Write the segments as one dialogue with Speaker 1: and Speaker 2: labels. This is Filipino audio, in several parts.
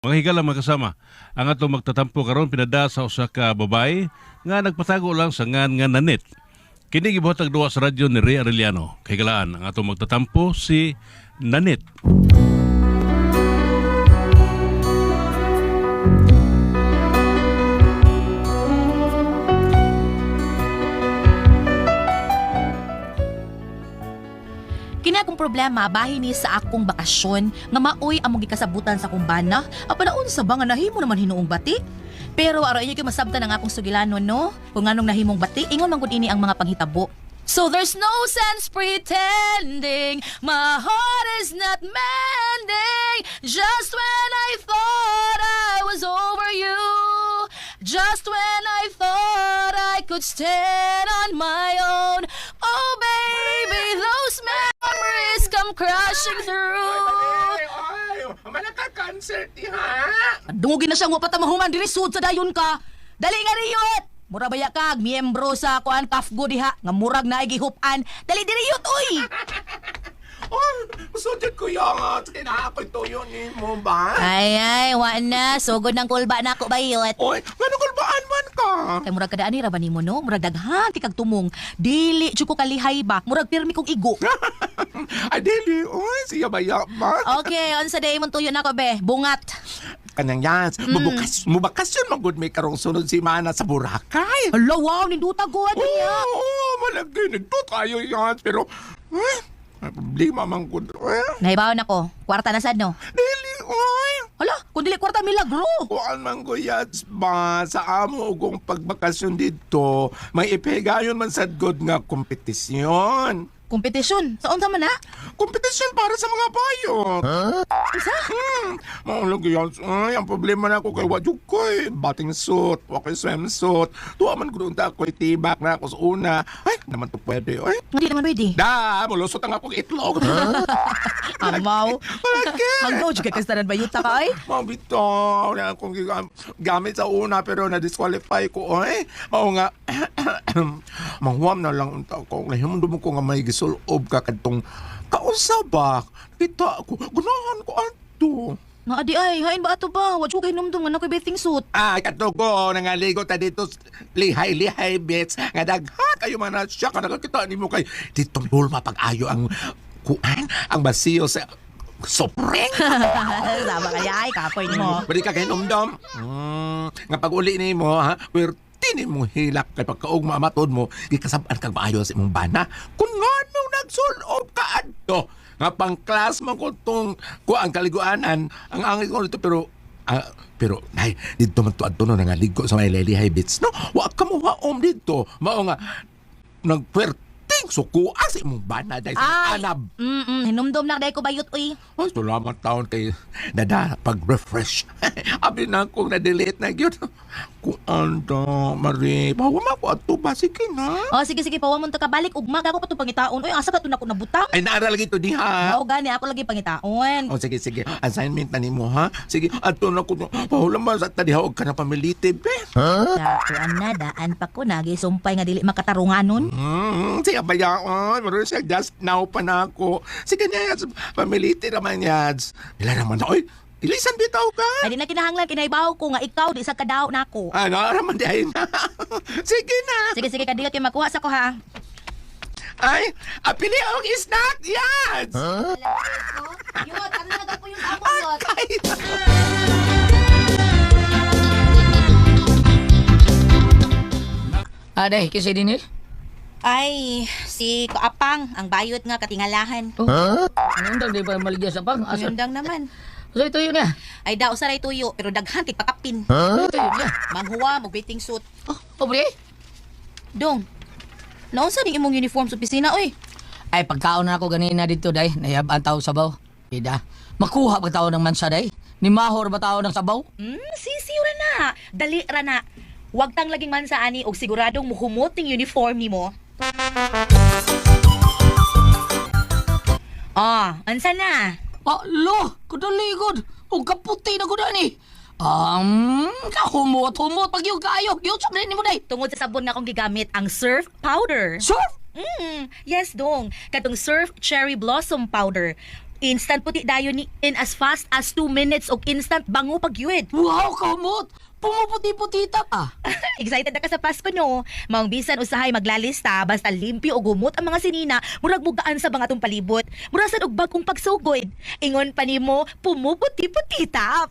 Speaker 1: Mga higala mga kasama, ang atong magtatampo karon pinada sa usa ka babay nga nagpatago lang sa ngan nga Nanit. Kini gibuhatag duwa sa radyo ni Ray Arellano. Kay galaan ang atong magtatampo si Nanit.
Speaker 2: Kini akong problema bahin ni sa akong bakasyon nga maoy among gikasabutan sa akong bana. Apanaon sa ba nga nahimo naman hinuong bati? Pero araw inyo kay masabtan ang akong sugilanon no. Kung anong nahimong bati, ingon man gud ini ang mga panghitabo. So there's no sense pretending my heart is not mending. Just when I thought I was over you, just when I thought I could stand on my own. Oh baby, those memories come crashing through.
Speaker 3: Ay, malaka concert ha.
Speaker 2: Dungugin na siya nga patamahuman diri sud sa dayon ka. Dali nga riyot. Mura baya kag miyembro sa kuan kafgo diha nga murag na gihupan. Dali diri yut oy.
Speaker 3: Oh, sudyan ko yung kinahakoy tuyo ni mo ba?
Speaker 2: Ay wa na sugod ng kulba na ako bayot.
Speaker 3: Oy, ganun kulbaan man ka.
Speaker 2: Kay murag kada ani ra ba nimo no? Murag daghan ti kag tumong. Dili jud ko kalihay ba? Murag pirmi kong igo.
Speaker 3: Ay, dili. Oy, siya baya ba?
Speaker 2: Okay, on sa day mong tuyo na ko be. Bungat.
Speaker 3: Kanyang yan, mubakasyon magud may karong sunod si Mana sa Boracay.
Speaker 2: Hala wow, ninduta ko
Speaker 3: Oo,
Speaker 2: niya.
Speaker 3: malagi. Nagto tayo yan. Pero, may problema man gud.
Speaker 2: Nahibawan ako. Kwarta na sad no.
Speaker 3: Dili, oy.
Speaker 2: Hala, kung dili kwarta milagro.
Speaker 3: Kuan man guyats ba sa amo ugong pagbakasyon dito, may ipegayon man sad god nga kompetisyon.
Speaker 2: Kompetisyon. Sa unsa man na?
Speaker 3: Kompetisyon para sa mga bayot.
Speaker 2: Isa?
Speaker 3: Maulog yan. Ay, ang problema na ako kay Wadjuk ko bating suit, wakay swimsuit. Tuwa man ko doon ako'y tibak na ako sa una. Ay, naman to pwede. Ay,
Speaker 2: Hindi naman pwede.
Speaker 3: mulusot ang akong itlog.
Speaker 2: Amaw.
Speaker 3: Bakit?
Speaker 2: Hanggaw, juga kastanan ba yuta ka ay?
Speaker 3: Mabitaw na akong gamit sa una pero na-disqualify ko. Ay, mao nga, manghuam na lang unta ko. Nahimundum ko nga may gisulob ka kadtong kausabak. Kita ako, gunahan ko ato.
Speaker 2: Nga adi ay, hain ba ato ba? Wad ko kay numdum nga na ko'y bathing suit.
Speaker 3: Ay, katugo, nangaligo ta dito, lihay-lihay, bits. Nga dagha kayo man na siya, nakakita ni mo kay ditong bulma pag-ayo ang kuan, ang basiyo sa sopreng.
Speaker 2: Sama kaya ay, kapoy mo.
Speaker 3: Bari ka kay numdum. Nga pag-uli ni mo, ha, tini mong hilak kay pagkaog mamatod mo, ikasabaan kang maayo sa imong bana. Kung nga nung nagsulob ka adto, nga pang class mo ko itong ang kaliguanan, ang angin ko nito, pero, nay, dito man to adto no, nangaligo sa may lelihay bits, no? Wa ka mo haom dito. Mao nga, nagperting sukuha sa imong bana dahil sa anab.
Speaker 2: Hinumdum na day ko bayot uy.
Speaker 3: Ay, salamat taon kay Dada pag-refresh. Abi na akong na-delete na yun. Kung ando, Marie, bawa mo ako ato ba? Sige na.
Speaker 2: Oh, sige, pawa mo to ka balik. Ugma, ako pa to pangitaon. Uy, asa ka to na ko nabutang?
Speaker 3: Ay, naaral lagi to diha.
Speaker 2: Oo, gani, ako lagi pangitaon.
Speaker 3: O, sige. Assignment na nimo, ha? Sige, ato na ko. Pahulam mo sa tadiha, huwag ka na pamilitib, eh.
Speaker 2: Daan na, daan pa ko na. Gisumpay nga dili makatarunganon.
Speaker 3: Siya ba yan? Maroon siya, just now pa na ako. Sige na, Yads. Pamilitib naman, Yads. Ila naman na, oy. Ilisan bitaw ka.
Speaker 2: Ay, di na kinahanglan, kinaibaw ko nga ikaw, di sa kadaw na ako.
Speaker 3: Ano, raman di ay na. Sige na.
Speaker 2: Sige, kadilot kayo makuha sa ko ha.
Speaker 3: Ay, apili ang snack, Yads.
Speaker 2: Yot, ano na po yung amon, Yot?
Speaker 3: Ay,
Speaker 4: Aday, kasi din eh.
Speaker 2: Ay, si Kaapang, ang bayot nga katingalahan.
Speaker 4: Anong dag di pa maligya sa pang? Asa?
Speaker 2: Sundang naman.
Speaker 4: So ito yun niya.
Speaker 2: Ay, daw saray tuyo, pero daghan kay pakapin.
Speaker 4: Ito yun niya.
Speaker 2: Manghuwa, mag-bathing suit.
Speaker 4: Oh, pobre.
Speaker 2: Dong, naunsa ning imong uniform sa opisina, oy?
Speaker 4: Ay, pagkaon na ako ganina dito, day. Nayab ang tao sabaw. Ida, makuha ba tao ng mansa, day? Ni Mahor ba tao ng sabaw?
Speaker 2: Sisiw ra na. Dali ra na. Huwag tang laging man sa ani og siguradong muhumot ning uniform nimo. Ansa na?
Speaker 4: Lo, kudaligod. O kaputi na kuda ni. Kahumot-humot pag yung kayo. Yung sabihin ni mo, day.
Speaker 2: Tungod sa sabon nga akong gigamit, ang Surf Powder.
Speaker 4: Surf?
Speaker 2: Yes, dong. Katong Surf Cherry Blossom Powder. Instant puti dayon ni in as fast as 2 minutes og instant bango pagyud.
Speaker 4: Wow, kamot! Pumuputi-puti ta ka.
Speaker 2: Excited na ka sa Pasko no. Maong bisan usahay maglalista basta limpyo o gumot ang mga sinina murag mugaan sa mga tong palibot. Murasan og bagong pagsugod. Ingon pa nimo pumuputi-puti tap.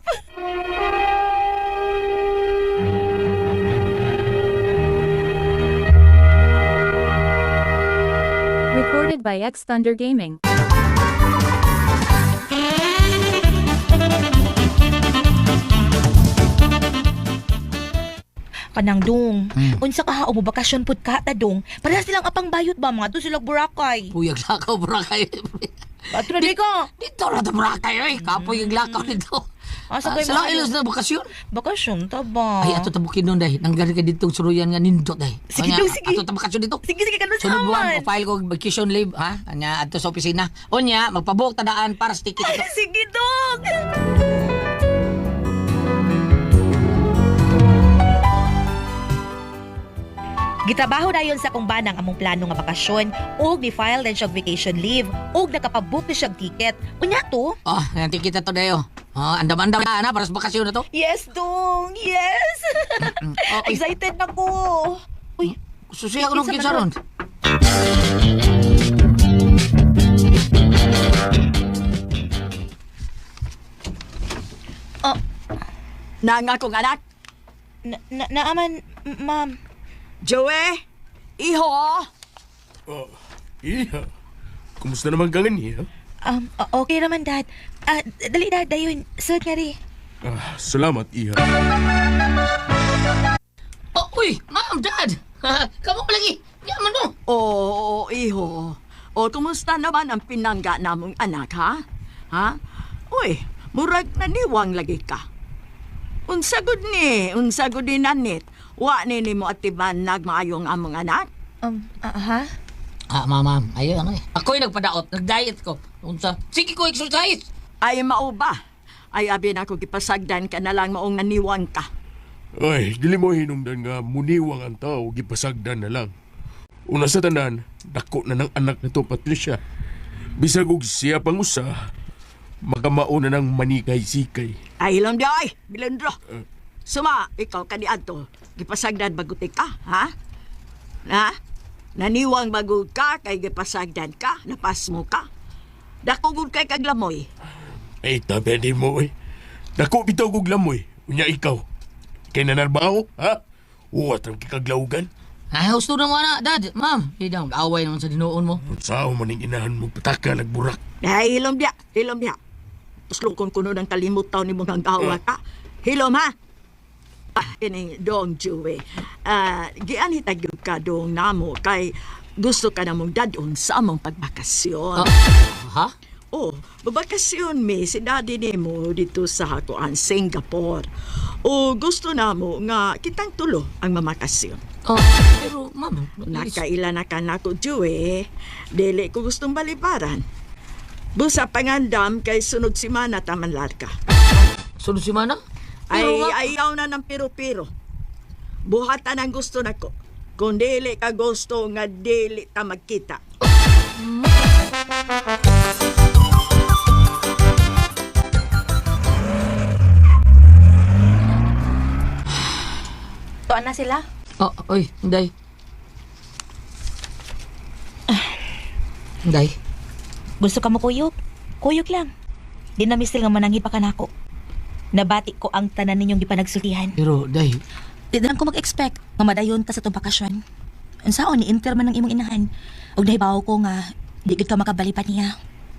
Speaker 5: Recorded by X Thunder Gaming.
Speaker 2: Kanang dong. Unsa ka o bakasyon pud ka ta dong. Para silang apang bayot ba mga to silang Boracay.
Speaker 4: Puyag lakaw, Boracay.
Speaker 2: Ato na di ka.
Speaker 4: Dito na ito, Boracay, oy. Kapoy yung lakaw nito.
Speaker 2: Asa kay
Speaker 4: Sila ilos na bakasyon.
Speaker 2: Bakasyon ta ba?
Speaker 4: Ay, ato tabukin nun, day. Nanggari ka ditong suruyan nga nindot, day.
Speaker 2: Sige,
Speaker 4: Kanya,
Speaker 2: dong, sige.
Speaker 4: Ato tabakasyon dito.
Speaker 2: Sige sige kanus
Speaker 4: Sunod buwan,
Speaker 2: naman.
Speaker 4: file ko vacation leave, ha? Kanya, ato sa opisina. O niya, magpabuhok tadaan para sa ticket ito.
Speaker 2: Sige dong. Gitrabaho dayon sa kung banang among plano nga bakasyon ug ni-file din siya vacation leave ug nakapabook na siya ticket. Unya to?
Speaker 4: Oh, yung ticket na to, dayo. Oh, andam-andam na, para sa bakasyon na to.
Speaker 2: Yes, dong. Yes.
Speaker 4: Okay.
Speaker 2: Excited na ko. Uy,
Speaker 4: Susiya ko nung
Speaker 2: Isa
Speaker 4: kinsa
Speaker 2: pa
Speaker 4: ron.
Speaker 2: oh,
Speaker 6: Nanga kong anak,
Speaker 2: naaman, ma'am.
Speaker 6: Joey, iho,
Speaker 7: Iya. Kumusta naman ka niya?
Speaker 2: Okay naman, Dad. Dali, Dad. Dayon. Sud nga rin.
Speaker 7: Salamat, Iha.
Speaker 4: Oh, uy, ma'am, dad. Kamu ko lagi. Yaman mo.
Speaker 6: oo, iho. O, kumusta naman ang pinangga namong anak, ha? Ha? Uy, murag naniwang lagi ka. Unsagod ni nanit. Wa ni mo atiban nagmaayong among anak.
Speaker 2: Ha?
Speaker 4: Ma'am, ayun, ano eh. Ako'y nagpadaot, nag-diet ko. Unsa? Sige ko, exercise.
Speaker 6: Ay, mao ba? Ay, abi na ako gipasagdan ka na lang maong naniwang ka.
Speaker 7: Ay, dili mo hinungdan nga muniwang ang tao, gipasagdan na lang. Una sa tanan, dako na ng anak na to, Patricia. Bisag og siya pang usa, magamauna ng manikay-sikay.
Speaker 6: Ay, hilom di ay, bilendro. Suma, ikaw kaniadto, gipasagdan baguti ka, ha? Na? Naniwang bagog ka, kay gipasagdan ka, napas mo ka. Dakugod kay kaglamoy.
Speaker 7: Ay, tabi din mo eh. Dako bitaw kog lamoy, unya ikaw. Kay nanarbaho, ha? Uwat ang kikaglawgan.
Speaker 4: Ay, gusto na mo na, dad. Ma'am, hindi daw, away naman sa dinuon mo.
Speaker 7: Sao maning inahan mo pataka nagburak.
Speaker 6: Ay, hilom diya, hilom diya. Puslukon kuno ng kalimutaw ni mong hanggawa ka. Hilom, ha? Ini dong, Joey. Gianit agyod ka dong namo kay gusto ka namong dadon sa among pagbakasyon.
Speaker 4: Ha?
Speaker 6: Oh, babakasyon mi si daddy nimo dito sa hakuan Singapore. O gusto namo nga kitang tulo ang mamakasyon.
Speaker 4: Pero, ma'am,
Speaker 6: Nakaila na ka na ko, Joey. Dili ko gustong balibaran. Busa pangandam kay sunod si Mana taman larga.
Speaker 4: sunod si Mana?
Speaker 6: Ay,
Speaker 4: Pero, ma'am,
Speaker 6: ayaw na ng piro-piro. Buhatan ang gusto na ko. Kung dili ka gusto nga dili ta magkita.
Speaker 2: Tuan na sila.
Speaker 4: Oh, oy, Day. Day.
Speaker 2: Gusto ka mo kuyog? Kuyog lang. Di na mistil nga mananghi pa ka nako. Nabati ko ang tanan ninyong gipanagsultihan.
Speaker 4: Pero, Day,
Speaker 2: Di na lang ko mag-expect nga madayon ka sa itong bakasyon. Ang saon, ni-inter man ng imong inahan. Huwag nahibaw ko nga, di gid ka makabali pa niya.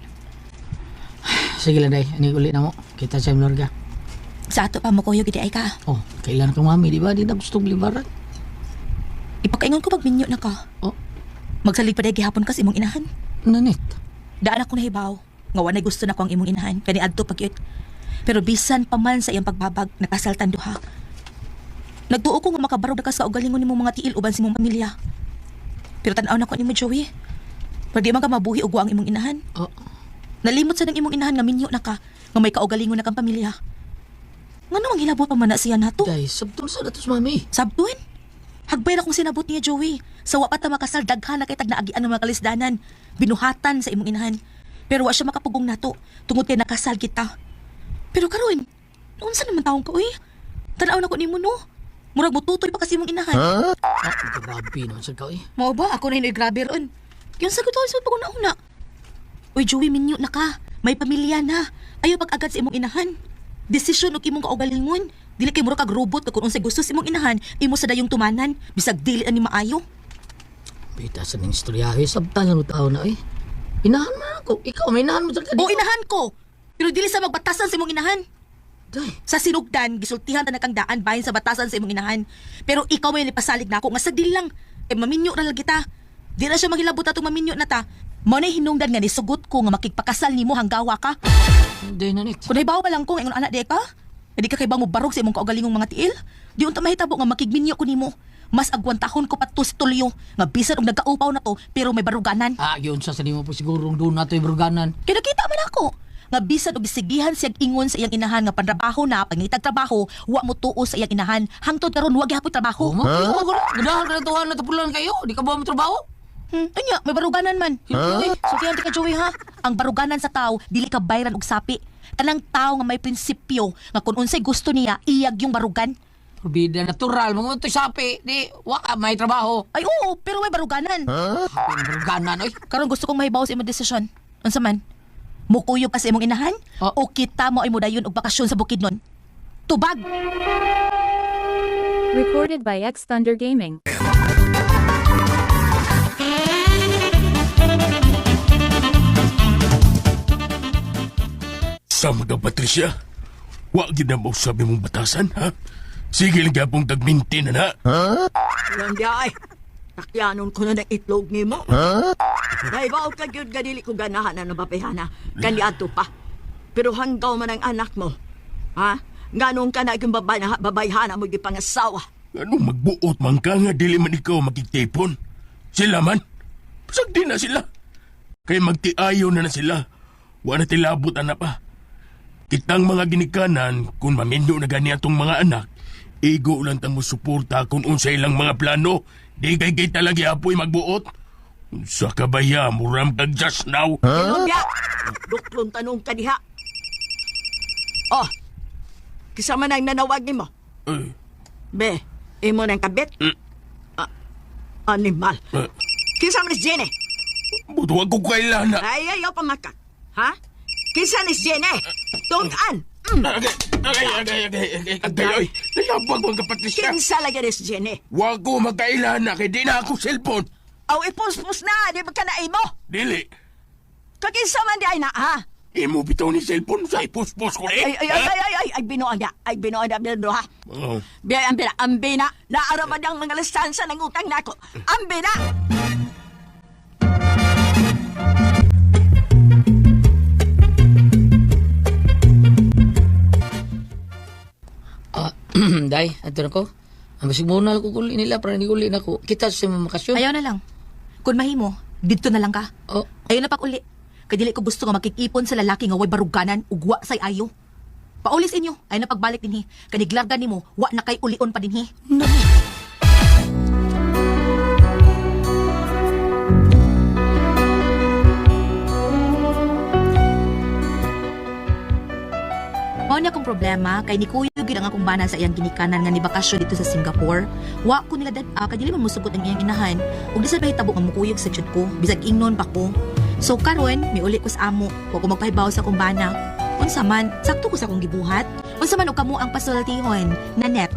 Speaker 4: sige lang, Day. Ani uli na mo. Kita sa Mlorga.
Speaker 2: Sa ato pa mo kuyog, di ay ka.
Speaker 4: Oh, kailan kang mami, di ba? Di na gustong libaran.
Speaker 2: Ipakaingon ko pag minyo na ka.
Speaker 4: Oh,
Speaker 2: Magsalig pa dahil gihapon ka sa imong inahan.
Speaker 4: nanit.
Speaker 2: Daan ako nahibaw. Nga wanay gusto na ko ang imong inahan. Kani adto pag yun. Pero bisan pa man sa iyang pagbabag, nakasaltan duha. Nagtuo ko nga makabarog na ka sa ugalingon nimong mga tiil uban sa imong pamilya. Pero tanaw na ko nimo, Joey. Pero di man ka mabuhi og ang imong inahan.
Speaker 4: Oh,
Speaker 2: Nalimot sa ng imong inahan nga minyo na ka, nga may kaugalingon na kang pamilya. Nga namang hilabot pa man na siya nato.
Speaker 4: Day, sabtong sa datos, mami.
Speaker 2: Sabtuin? Hagbay na kong sinabot niya, Joey. Sa wapat na makasal, daghan na kay tag naagian ng mga kalisdanan. Binuhatan sa imong inahan. Pero wa siya makapugong nato, tungod kay nakasal kita. Pero karon, unsa naman taong ka, uy? Tanaw na ko nimo no. Murag mututoy pa kasi mong inahan.
Speaker 4: Grabe naman sa ikaw eh.
Speaker 2: Mao ba? Ako na hinoy grabe ron. Yung sagot ko sa pag-una-una. Uy, Joey, minyo na ka. May pamilya na. Ayaw pag-agad sa imong inahan. Desisyon o imong kaugalingon. Dili kay murag kag robot na kung unsay gusto sa imong inahan, imo sa dayong tumanan. Bisag dili ani maayo.
Speaker 4: Pita sa ning istoryahe, sabtan na tao na eh. Inahan mo ako. Ikaw, may inahan mo sa
Speaker 2: O inahan ko. Pero dili sa magbatasan sa imong inahan.
Speaker 4: Day,
Speaker 2: Sa sinugdan, gisultihan ta na kang daan bahin sa batasan sa imong inahan. Pero ikaw may nipasalig na ako nga sagdili lang. Maminyo ra lang kita. Di na siya maghilabot atong maminyo na ta. Mao na hinungdan nga ni sugot ko nga makigpakasal nimo hanggawa ka.
Speaker 4: day na net.
Speaker 2: Kung naibaw pa lang ko nga ingon anak di ka. Hindi ka kay bang mubarog sa imong kaugalingong mga tiil. Di unta mahitabo nga makigminyo ko nimo. Mas agwantahon ko pa to si Tulyo nga bisan og nagkaupaw na to pero may baruganan.
Speaker 4: Yun sa sanimo po sigurong doon nato ibruganan.
Speaker 2: Kaya nakita man ako nga bisan og gisigihan siyang ingon sa iyang inahan nga panrabaho na pangitag trabaho wa mo tuo sa iyang inahan hangtod karon wa gyapon trabaho.
Speaker 4: Ganahan ka na tuwan na tapulan kayo. Di ka ba mo trabaho?
Speaker 2: Anya, may baruganan man. So kaya ka Joey ha, ang baruganan sa tao dili ka bayran og sapi. Kanang tao nga may prinsipyo nga kung unsay gusto niya iyag yung barugan.
Speaker 4: Bida natural. Mga ito sapi. Di, waka may trabaho.
Speaker 2: Ay oo, pero may baruganan.
Speaker 4: Ibruganan, oy.
Speaker 2: Karon gusto kong mahibaw sa imong desisyon. Unsa man? Mukuyog ka sa imong inahan? O kita mo ay mudayon og bakasyon sa Bukidnon? Tubag!
Speaker 5: Recorded by X Thunder Gaming.
Speaker 7: Sa mga Patricia, wa gid na mo sabi mong batasan, ha? Sige lang gyapong tagminti na na.
Speaker 6: Lang di ay. Takyanon ko na ng itlog ni mo. Dahil ba ka yun ganili ko ganahan na nabapihana. Kandiato pa. Pero hanggaw man ang anak mo. Ha? Ganong ka na yung babayhana mo yung pangasawa.
Speaker 7: Anong magbuot man ka nga dili man ikaw makitipon? Sila man. Pasagdi na sila. Kaya magtiayo na sila. Wa na tilabot na pa. Kitang mga ginikanan, kung mamindo na gani atong mga anak, igo lang tang mo suporta kung unsa ilang mga plano. Di kay talaga apoy magbuot. Unsa ka ba ya, muram kag just now?
Speaker 6: Inumbya! Duklong tanong ka diha. Oh, kisama na ang nanawag ni mo. Be, imo ng kabit? Animal. Kisama ni Jenny.
Speaker 7: Butuwag ko kailana.
Speaker 6: Ay, ayaw pamakak. Ha? Kisa ni Jenny. Tungaan.
Speaker 7: Agay, oy. Nayabag mong kapatid siya.
Speaker 6: Kinsa lagi ni Jenny.
Speaker 7: Wag ko magkailana kay di na ako cellphone.
Speaker 6: Aw, ipuspos na. Di ba ka na imo?
Speaker 7: Dili.
Speaker 6: Kakinsa man di ay na, ha?
Speaker 7: Imo bitaw ni cellphone sa ipuspos ko
Speaker 6: Ay, binuan niya. Ay, binuan niya, Bildo, ha?
Speaker 7: Oh.
Speaker 6: Biyay, ambina. Naaraman niyang mga listansa ng utang na ako. Ambina!
Speaker 4: Day, ato na ko. Ang basig muna ko kuli nila para hindi uli na ko. Kita sa mga makasyon.
Speaker 2: Ayaw na lang. Kung mahimo, dito na lang ka.
Speaker 4: Oh,
Speaker 2: Ayaw na pag-uli. Kadili ko gusto nga makikipon sa lalaki nga way baruganan ugwa say ayo. Paulis inyo, ay na pagbalik dinhi. Kaniglargan nimo, wa na kay ulion pa dinhi. Mao niya akong problema kay ni Kuya gid ang akong bana sa iyang ginikanan nga ni bakasyon dito sa Singapore. Wa ko nila kadili man musugot ang iyang inahan. Ug di sa bahitabo nga mukuyog sa jud ko, bisag ingnon pa ko. So karon, miuli ko sa amo, wa ko magpahibaw sa akong bana. Unsa man, sakto ko sa akong gibuhat. Unsa man og kamo ang pasultihon, Nanet.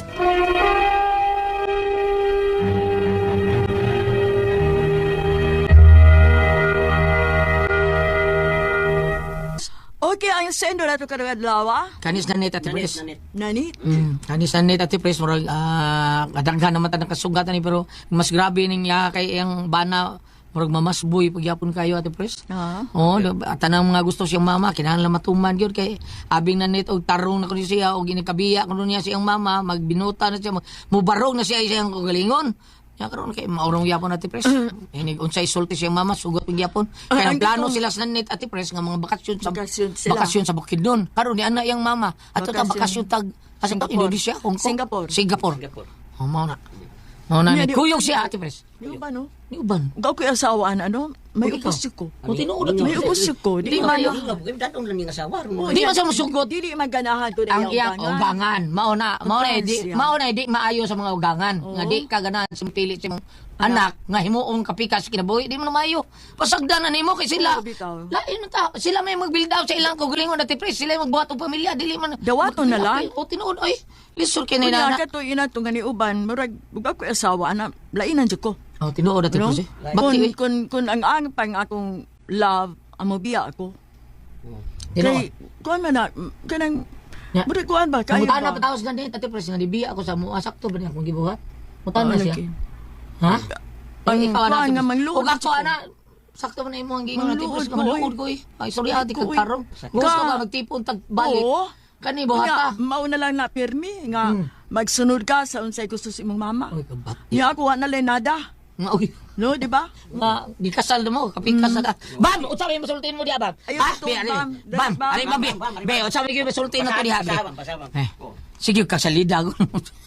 Speaker 6: Okay, ang sendo na ito kadalawa.
Speaker 4: kanis na net ati pres.
Speaker 6: Nani?
Speaker 4: Kanis na net ati pres. Murag, kadaghan naman tanang kasugatan ni pero mas grabe ning ya kay ang bana. Murag mamasboy pagyapon kayo ati pres. Oh, tanang mga gusto siyang mama, kinahanglan matuman gyud kay abing na net og tarong na kuno siya og ginikabiya kuno niya siyang mama, magbinuta na siya, mubarog na siya siyang kagalingon. Ya karon kay maurong yapon ati pres. Inig unsay sulti siyang mama sugot pag yapon. Kaya ang plano sila sa net ati pres nga mga bakasyon sa Bukidnon. Karon ni ana yang mama ato ta bakasyon tag
Speaker 6: Singapore.
Speaker 4: Indonesia, Hong Kong.
Speaker 6: Singapore.
Speaker 4: Oh, mao na. Mao na ni kuyog siya ati pres.
Speaker 6: Di ba, no?
Speaker 4: Ni uban.
Speaker 6: Gaw ko yung asawaan, ano? may upos ko.
Speaker 4: O tinuod
Speaker 6: May upos ko.
Speaker 4: Di
Speaker 6: Di
Speaker 4: man
Speaker 6: man.
Speaker 4: Di man sa musugod.
Speaker 6: Dili man ganahan ko
Speaker 4: Ang iyang ugangan. Mauna
Speaker 6: Siya.
Speaker 4: di maayo sa mga ugangan. Nga di ka ganahan sa pili sa mong anak nga himuong kapikas kinabuhi di mo na maayo. Pasagdanan nimo kay sila.
Speaker 6: Oo, bitaw.
Speaker 4: Lain ta sila may mag-build out sa ilang kugulingon na tipres sila magbuhat og pamilya dili man.
Speaker 6: Dawaton na lang.
Speaker 4: O tinuod ay lisod kay
Speaker 6: Kunya
Speaker 4: na.
Speaker 6: ka to ina to nga ni uban, murag ug ako asawa ana, lainan jud ko.
Speaker 4: O tinuod na
Speaker 6: No?
Speaker 4: tipres. Bakti
Speaker 6: Kun ang pang akong love amo biya ako.
Speaker 4: tinuod.
Speaker 6: Kay kuan man na kanang
Speaker 4: Ya.
Speaker 6: murag kuan ba kayo
Speaker 4: Mutana
Speaker 6: ba?
Speaker 4: patawas ganit ati pres nga dibiya ako sa mua sakto ba niya akong gibuhat. Mutana
Speaker 6: Oo,
Speaker 4: siya.
Speaker 6: lagi.
Speaker 4: Ha?
Speaker 6: Ang
Speaker 4: Ikaw
Speaker 6: kuan
Speaker 4: ana.
Speaker 6: nga mangluod
Speaker 4: Ug ako
Speaker 6: ko.
Speaker 4: ana sakto man na imo ang giingon natin
Speaker 6: Mangluod
Speaker 4: pres
Speaker 6: ko,
Speaker 4: nga maluod ko eh. Ay sorry ati
Speaker 6: Ko,
Speaker 4: kag
Speaker 6: eh.
Speaker 4: tarong. Gusto ka magtipon tag balik.
Speaker 6: Oo.
Speaker 4: Kani
Speaker 6: Kunya,
Speaker 4: buhata.
Speaker 6: mao na lang na pirmi nga magsunod ka sa unsay gusto sa imong mama.
Speaker 4: Oy kabat.
Speaker 6: Ya ako wa na lang nada.
Speaker 4: Nga oy.
Speaker 6: No, di ba?
Speaker 4: Nga gikasal na mo kapikas na ka. Bam, unsa may masultin mo diha bam?
Speaker 6: Ayaw
Speaker 4: Ha?
Speaker 6: ito,
Speaker 4: Be, ali.
Speaker 6: Bam.
Speaker 4: Bam,
Speaker 6: Bam.
Speaker 4: ali bam. Be, unsa may masultin na to diha be? Sige ka salida ko.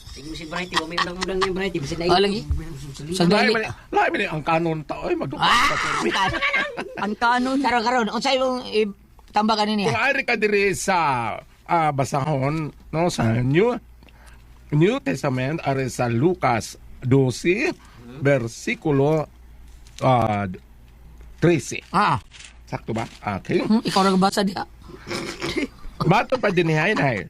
Speaker 4: Oh lagi. Sagdali.
Speaker 3: Lahi man ang kanon ta oy magdukot
Speaker 4: Ah!
Speaker 3: sa permi.
Speaker 6: Ang kanon.
Speaker 4: Karon, unsa imong tambakan
Speaker 3: Kung
Speaker 4: niya?
Speaker 3: ari ka diri sa basahon no sa New Testament ari sa Lucas 12 versikulo 13.
Speaker 4: Ah,
Speaker 3: Sakto ba? Okay.
Speaker 4: ikaw ra basa diha.
Speaker 3: Mato pa din hay nay.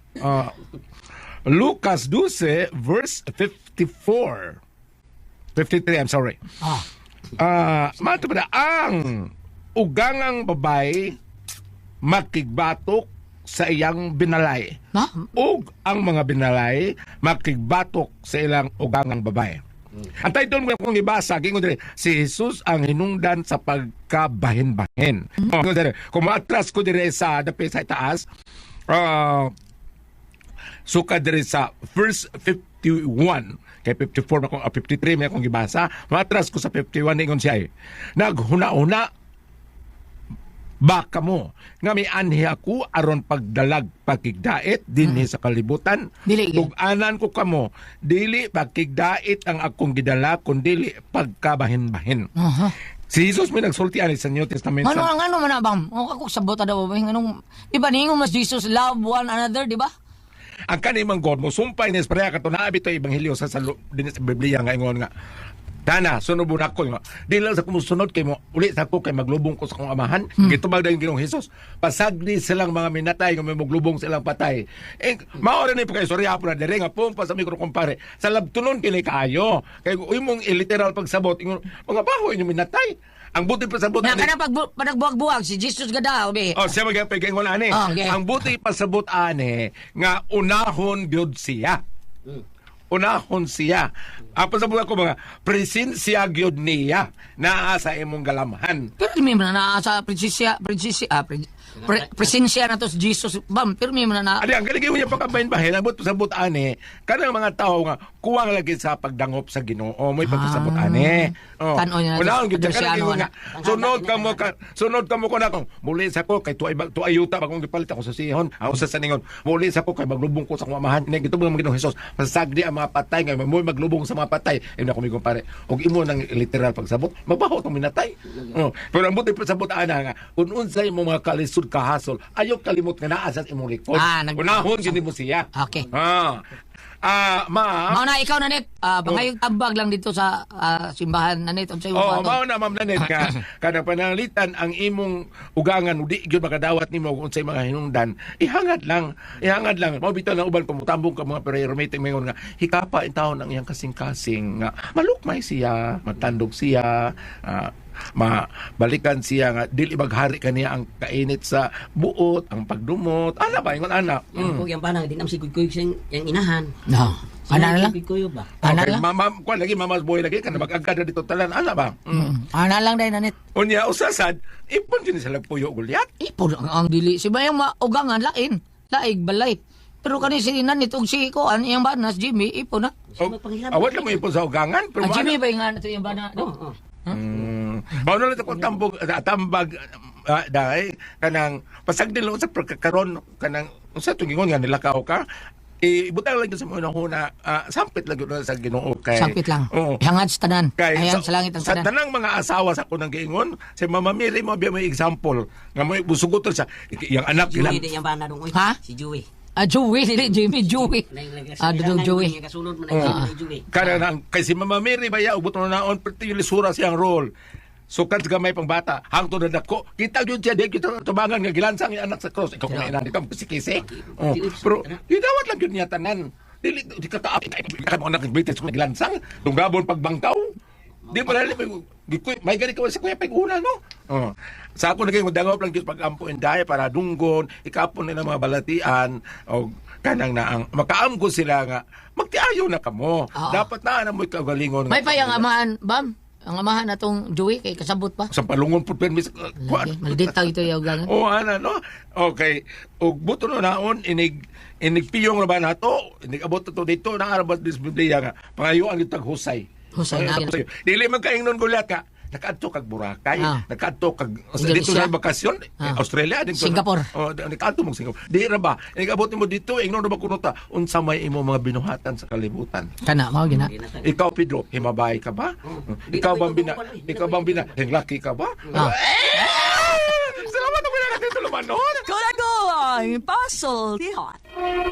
Speaker 3: Lucas 12 verse 54. 53, I'm sorry. Mato pa ang ugangang babae makigbatok sa iyang binalay.
Speaker 4: Na?
Speaker 3: Ug ang mga binalay makigbatok sa ilang ugangang babae. Ang title mo kung ibasa, gingon dire, si Jesus ang hinungdan sa pagkabahin-bahin. Kung maatras ko dire sa dapit sa itaas, suka dire sa verse 51, kay 54 ako, 53 may akong gibasa, maatras ko sa 51 ingon siya naghuna-una baka mo nga may anhi ako aron pagdalag pagkigdait dinhi sa kalibutan.
Speaker 4: Dili.
Speaker 3: Tug-anan ko kamo dili pagkigdait ang akong gidala kundi pagkabahin-bahin. Si Jesus may nagsulti ani sa New Testament
Speaker 4: Ano man na bam? O ako sabot daw ba anong iba ningon mas Jesus love one another, di ba?
Speaker 3: ang kanimang God mo sumpay ni Esprea kato naabi to ebanghelyo sa din sa Biblia nga ingon nga Tana, sunod mo na ko nga. Di lang sa kumusunod kay mo, uli sa ko kay maglubong ko sa kong amahan. Gitubag na yung Ginoong Hesus. Pasagdi silang mga minatay nga may maglubong silang patay. Maora ni pa kay sorya po na dire nga pong pa sa mikro kumpare. Sa labtunon kini kaayo. Kay uy mong literal pagsabot ingon mga baho inyo minatay. Ang buti pasabot
Speaker 4: Na kana pag panagbuwag-buwag si Jesus gada obi.
Speaker 3: Oh, siya magpigay ani.
Speaker 4: Okay.
Speaker 3: Ang buti pasabot ani nga unahon gyud siya. Unahon siya. Pasabot ako mga presensya gyud niya naa sa imong galamhan.
Speaker 4: Pero may man na sa presensya na to si Jesus bam. Pero may man na
Speaker 3: Adi ang galing niya pagkabahin-bahin ang buti pasabot ani kanang mga tao nga kuwang lagi sa pagdangop sa Ginoo mo'y pagpasabot ani. Oh.
Speaker 4: Tan-o niya na
Speaker 3: Unahon gyud
Speaker 4: to,
Speaker 3: kanang
Speaker 4: ano,
Speaker 3: nga sunod ka mo ko na kung muli sa ko kay tuayuta ba kung gipalit ako sa sihon ako sa saningon muli sa ko kay maglubong ko sa akong amahan ni gitubang mga Ginoong Hesus pasagdi ang mga patay nga mo maglubong sa mga patay ina ko mi kumpare og imo nang literal pagsabot mabaho tong minatay. Oh. Pero ang buti pasabot ana nga kun unsay mo mga kalisod kahasol ayo kalimot nga naa sa imong likod. Unahon gyud mo siya.
Speaker 4: Okay.
Speaker 3: Ma'am.
Speaker 4: Mao na ikaw na net. Bangayog tambag lang dito sa simbahan na net unsay mo
Speaker 3: Oh,
Speaker 4: ba?
Speaker 3: mao na ma'am Nanet ka kada pananglitan ang imong ugangan udi gyud makadawat nimo kung unsay mga hinungdan ihangad lang mao bitaw na uban pamutambong ka mga pereromate mayon nga hikapa in taon ang iyang kasing-kasing nga malukmay siya matandog siya mabalikan siya nga dili maghari kaniya ang kainit sa buot ang pagdumot ana ba ingon ana
Speaker 8: Yung panang dinam si kuy sing yang inahan.
Speaker 4: No. Ana lang.
Speaker 8: Kuy ba?
Speaker 4: Ana
Speaker 3: okay,
Speaker 4: lang.
Speaker 3: kuan lagi mamas boy lagi kana mag-agad na dito talan ana ba
Speaker 4: Ana lang dai na net.
Speaker 3: unya usasad ipon din sa lagpuyo gulyat.
Speaker 4: Ipon ang dili. Si bayang maugangan lain. Laig balay. Pero kani si Nanit og si ko an iyang banas Jimmy ipon na.
Speaker 3: Awat lang mo ipon sa ugangan pero
Speaker 4: Ang Jimmy ba nga nato iyang bana?
Speaker 3: Mao na lang ko tambag dai kanang pasagdil sa pagkakaron kanang unsa to gingon nga nilakaw ka ibutang lang yun sa mga huna, sampit lang yun sa Ginoo kay.
Speaker 4: Sakit lang.
Speaker 3: Oo.
Speaker 4: Hangad sa tanan.
Speaker 3: Kay,
Speaker 4: Ayan sa langit ang
Speaker 3: sa
Speaker 4: tanan.
Speaker 3: tanang mga asawa sa kunang giingon, si Mama Mary mo biya may example nga mo busugoton sa yung anak
Speaker 8: Joey
Speaker 3: ilang
Speaker 8: di yung bana dong.
Speaker 4: Ha?
Speaker 8: Si Joey.
Speaker 4: Joey, dili, Jimmy, Joey. Dito Joey.
Speaker 8: Kasulod mo na yung Joey.
Speaker 3: kana nang kay si Mama Mary baya ubot na naon perti yung lisura siyang role. Sukat gamay pang bata, hangto na dako. Kita yun siya, di kita tubangan nga gilansang yung anak sa cross. Ikaw kung inan, ikaw pisikisi. Oh, pero, idawat lang yun niya tanan. Dili, di ka kaapit, ka mo anak ng British kung gilansang. Tunggabon pagbangkaw. Di pa rin, may gani ka sa kuya pag-una, no? Oh. Sa ako naging madangop lang dito pag-ampo inday para dunggon, ikapon nila mga balatian, o kanang na ang makaamgo sila nga, magtiayo na kamo. Dapat na mo ikagalingon.
Speaker 4: May pa yung amahan, Bam. Ang amahan na tong Joey, kay kasabot pa.
Speaker 3: Sa palungon po permis.
Speaker 4: Lagi, maldita ito yung gangan.
Speaker 3: O ana no. Okay. Og buto no naon inigpiyong ra ba nato? Inigabot to dito nang arabat dis Biblia nga. Pangayuan yung taghusay.
Speaker 4: Husay na.
Speaker 3: Dili man kaingnon gulat ka. Nakadto kag Boracay, nakadto kag dito
Speaker 4: Indonesia.
Speaker 3: sa bakasyon, Australia din ko.
Speaker 4: Singapore.
Speaker 3: Oh, nakadto mo Singapore. Di ra ba? Inigabot mo dito, ingnon ra ba kuno ta unsa may imo mga binuhatan sa kalibutan.
Speaker 4: Kana, mao gina.
Speaker 3: Ikaw Pedro, himabay ka ba? Ikaw bang bina, hinglaki ka ba? Salamat na pinaka dito lumanon.
Speaker 6: Kulago ang puzzle, tihot.